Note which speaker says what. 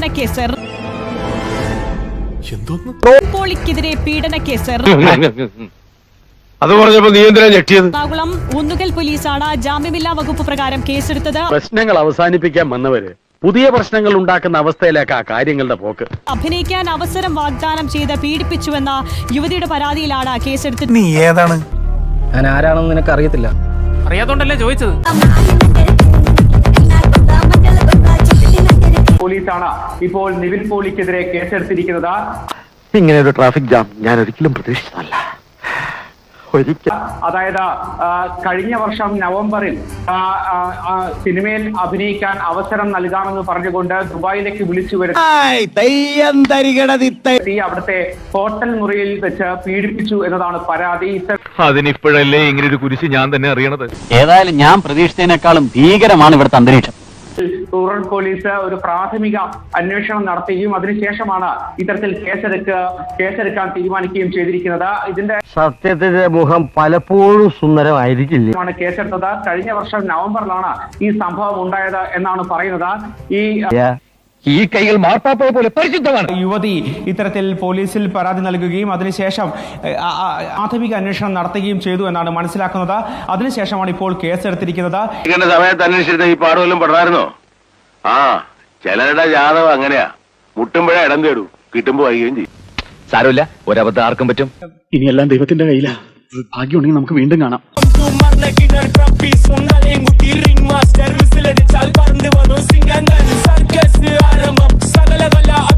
Speaker 1: പീഡനക്കേസ്, പോളിക്കെതിരെ പീഡനക്കേസ്.
Speaker 2: അത് പറഞ്ഞപ്പോ നീ എന്തിനാ ഞെട്ടിയത്?
Speaker 1: എറണാകുളം ഊന്നുകൽ പോലീസാണ് ജാമ്യമില്ലാ വകുപ്പ് പ്രകാരം കേസെടുത്തത്.
Speaker 2: പ്രശ്നങ്ങൾ അവസാനിപ്പിക്കാൻ വന്നവര് പുതിയ പ്രശ്നങ്ങൾ ഉണ്ടാക്കുന്ന അവസ്ഥയിലേക്കാ കാര്യങ്ങളുടെ പോക്ക്.
Speaker 1: അഭിനയിക്കാൻ അവസരം വാഗ്ദാനം ചെയ്ത് പീഡിപ്പിച്ചുവെന്ന യുവതിയുടെ പരാതിയിലാണ് കേസെടുത്തത്.
Speaker 3: നീ ഏതാണ്?
Speaker 4: ഞാൻ ആരാണെന്ന് നിനക്ക് അറിയത്തില്ല.
Speaker 5: അറിയാത്തോണ്ടല്ലേ ചോദിച്ചത്.
Speaker 6: പോലീസാണ് ഇപ്പോൾ നിവിൻ പോളിക്കെതിരെ കേസെടുത്തിരിക്കുന്നത്.
Speaker 2: ഇങ്ങനെ ഒരു ട്രാഫിക് ജാം ഞാൻ ഒരിക്കലും പ്രതീക്ഷിച്ചതല്ല.
Speaker 6: അതായത് കഴിഞ്ഞ വർഷം നവംബറിൽ സിനിമയിൽ അഭിനയിക്കാൻ അവസരം നൽകാമെന്ന് പറഞ്ഞുകൊണ്ട് ദുബായിലേക്ക് വിളിച്ചു വരുത്തി അവിടുത്തെ ഹോട്ടൽ മുറിയിൽ വെച്ച് പീഡിപ്പിച്ചു എന്നതാണ് പരാതി.
Speaker 2: അതിനിപ്പോഴല്ലേ ഇങ്ങനെ ഒരു കുരിശ് ഞാൻ തന്നെ അറിയണത്.
Speaker 4: ഏതായാലും ഞാൻ പ്രതീക്ഷിച്ചതിനേക്കാളും ഭീകരമാണ് ഇവിടുത്തെ അന്തരീക്ഷം.
Speaker 6: റൂറൽ പോലീസ് ഒരു പ്രാഥമിക അന്വേഷണം നടത്തുകയും അതിനുശേഷമാണ് ഇത്തരത്തിൽ കേസെടുക്കാൻ തീരുമാനിക്കുകയും ചെയ്തിരിക്കുന്നത്. ഇതിന്റെ
Speaker 2: സത്യത്തിന്റെ മുഖം പലപ്പോഴും സുന്ദരമായിരിക്കില്ല.
Speaker 6: കേസെടുത്തത് കഴിഞ്ഞ വർഷം നവംബറിലാണ് ഈ സംഭവം ഉണ്ടായത് എന്നാണ് പറയുന്നത്.
Speaker 2: ഈ കൈകൾ മാർപ്പാപ്പയെ പോലെ പരിശുദ്ധമാണ്.
Speaker 7: യുവതി ഇത്തരത്തിൽ പോലീസിൽ പരാതി നൽകുകയും അതിനുശേഷം പ്രാഥമിക അന്വേഷണം നടത്തുകയും ചെയ്തു എന്നാണ് മനസ്സിലാക്കുന്നത്. അതിനുശേഷമാണ് ഇപ്പോൾ കേസെടുത്തിരിക്കുന്നത്.
Speaker 2: സമയത്ത് അന്വേഷിച്ചിട്ട് ഈ പാടുവല്ലും പെടായിരുന്നോ? ചിലരുടെ ജാതകം അങ്ങനെയാ, മുട്ടുമ്പോഴേ ഇടം തേടൂ, കിട്ടുമ്പോ വൈകുകയും ചെയ്യും. സാരമില്ല, ഒരബദ്ധം ആർക്കും പറ്റും.
Speaker 8: ഇനിയെല്ലാം ദൈവത്തിന്റെ കയ്യിലാ. ഭാഗ്യമുണ്ടെങ്കിൽ നമുക്ക് വീണ്ടും കാണാം.
Speaker 9: Circus, I am up,